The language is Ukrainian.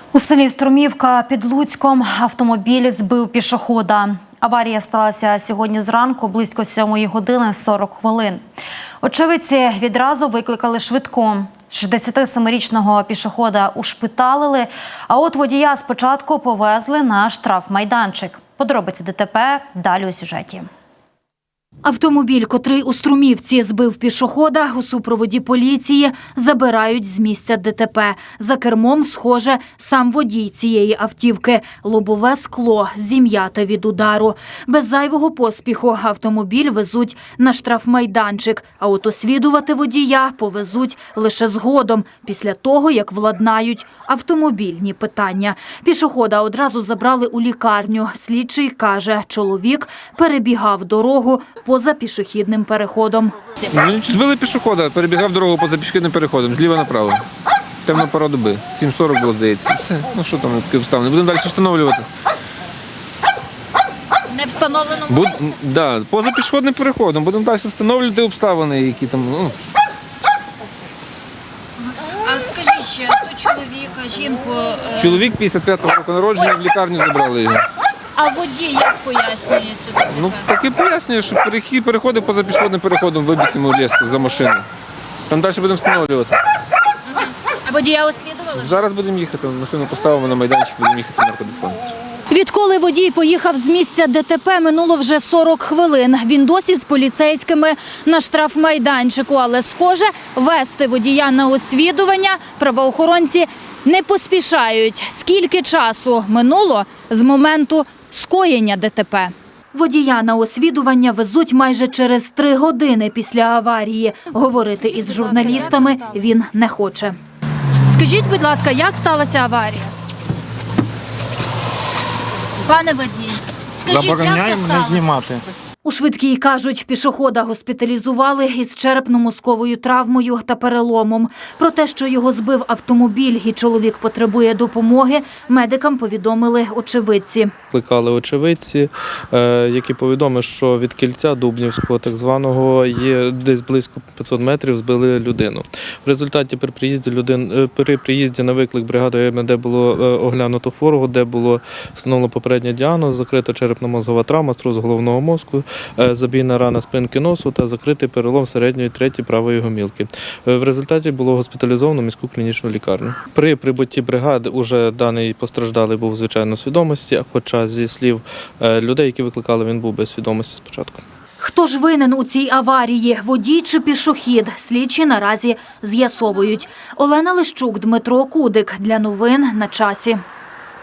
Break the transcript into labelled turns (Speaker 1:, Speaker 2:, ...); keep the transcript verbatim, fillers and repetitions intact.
Speaker 1: У селі Струмівка під Луцьком автомобіль збив пішохода. Аварія сталася сьогодні зранку близько сьомої години сорок хвилин. Очевидці відразу викликали швидку. шістдесятисемирічного пішохода ушпиталили, а от водія спочатку повезли на штрафмайданчик. Подробиці ДТП далі у сюжеті.
Speaker 2: Автомобіль, котрий у Струмівці збив пішохода, у супроводі поліції забирають з місця ДТП. За кермом, схоже, сам водій цієї автівки. Лобове скло зім'яте від удару. Без зайвого поспіху автомобіль везуть на штрафмайданчик, а от освідувати водія повезуть лише згодом, після того, як владнають автомобільні питання. Пішохода одразу забрали у лікарню. Слідчий каже, чоловік перебігав дорогу поза пішохідним переходом.
Speaker 3: Збили пішохода, перебігав дорогу поза пішохідним переходом, зліва направо. Темна пора доби, сім сорок було, здається. Все, ну що там, такі обставини. Будемо далі встановлювати.
Speaker 2: Не встановлено
Speaker 3: Буд... Да, поза пішохідним переходом. Будемо далі встановлювати обставини, які там, ну.
Speaker 4: А скажіть ще, то чоловіка, жінку... Е...
Speaker 3: Чоловік п'ятдесят п'ятого року народження, в лікарню забрали його.
Speaker 4: А водій як пояснює цю ДТП?
Speaker 3: Ну, так і пояснює, що перехід переходив поза пішохідним переходом, вибіг йому різко за машину. Там далі будемо встановлювати.
Speaker 4: Ага. А водія освідували?
Speaker 3: Зараз будемо їхати, машину поставимо на майданчик, будемо їхати в наркодиспансер.
Speaker 2: Відколи водій поїхав з місця ДТП, минуло вже сорок хвилин. Він досі з поліцейськими на штрафмайданчику, але, схоже, вести водія на освідування правоохоронці не поспішають. Скільки часу минуло з моменту скоєння ДТП? Водія на освідування везуть майже через три години після аварії. Говорити із журналістами він не хоче.
Speaker 4: Скажіть, будь ласка, як сталася аварія? Пане водій, скажіть, як це
Speaker 5: Забороняємо не
Speaker 4: сталося?
Speaker 5: знімати.
Speaker 2: У швидкій, кажуть, пішохода госпіталізували із черепно-мозковою травмою та переломом. Про те, що його збив автомобіль і чоловік потребує допомоги, медикам повідомили очевидці.
Speaker 6: Викликали очевидці, які повідомили, що від кільця Дубнівського так званого є десь близько п'ятсот метрів збили людину. В результаті при приїзді, людин, при приїзді на виклик бригади МД було оглянуто хворого, де було встановлено попередній діагноз, закрита черепно-мозгова травма, струс головного мозку, забійна рана спинки носу та закритий перелом середньої треті правої гомілки. В результаті було госпіталізовано в міську клінічну лікарню. При прибутті бригади уже даний постраждалий був звичайно в свідомості, хоча зі слів людей, які викликали, він був без свідомості спочатку.
Speaker 2: Хто ж винен у цій аварії? Водій чи пішохід? Слідчі наразі з'ясовують. Олена Лищук, Дмитро Кудик. Для новин на часі.